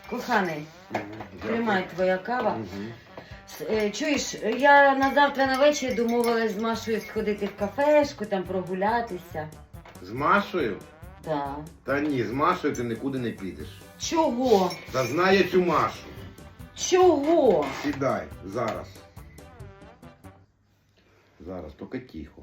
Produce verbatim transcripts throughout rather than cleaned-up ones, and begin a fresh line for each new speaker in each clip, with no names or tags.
Коханий,
Мгм,
тримай твоя кава.
Мгм.
С- е, Чуєш, я на завтра на вечір домовилась з Машою сходити в кафешку, там прогулятися.
З Машою?
Да.
Та ні, з Машою ти нікуди не підеш.
Чого?
Та знає цю Машу.
Чого?
Сідай, зараз. Зараз, тільки тихо.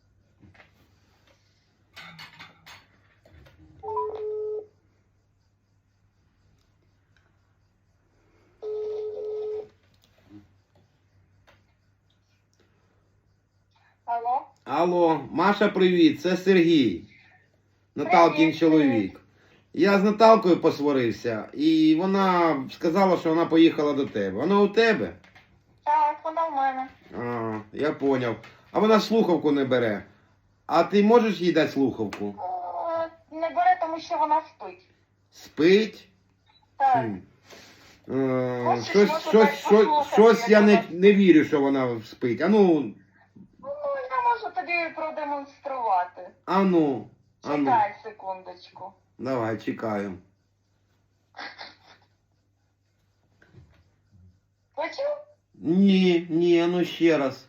Алло?
Алло, Маша, привіт, це Сергій. Наталкін
Привіт,
чоловік. Я з Наталкою посварився, і вона сказала, що вона поїхала до тебе. Вона у тебе?
Так, вона в мене.
А, я поняв. А вона слухавку не бере. А ти можеш їй дати слухавку?
Е, Не бере, тому що вона спить.
Спить?
Так.
Хм. Е,
Хочеш,
щось,
можу
щось,
дати
щось,
послухати,
щось я
як
не,
вона-
не вірю, що вона спить. Ану,
Ну, я можу тобі продемонструвати.
ану, ану.
Чекай секундочку.
Давай, чекаю.
Почув?
Ні, ні, ну ще раз.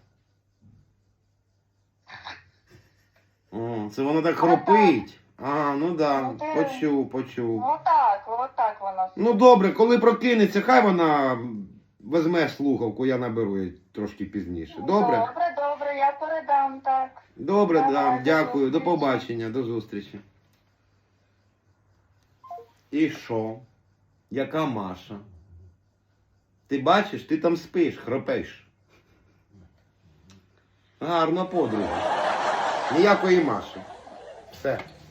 О, це вона так хропить. А, ну да,
Ну, ти-
почув, почув.
Отак, отак вона спить.
Ну добре, коли прокинеться, хай вона візьме слухавку, я наберу її трошки пізніше. Добре?
Добре, добре, я передам, так.
Добре,
Давай,
да,
до
дякую, до
зустрічі.
побачення, до зустрічі. І що? Яка Маша? Ти бачиш, ти там спиш, хропеш. Гарна подруга. Ніякої Маші. Все.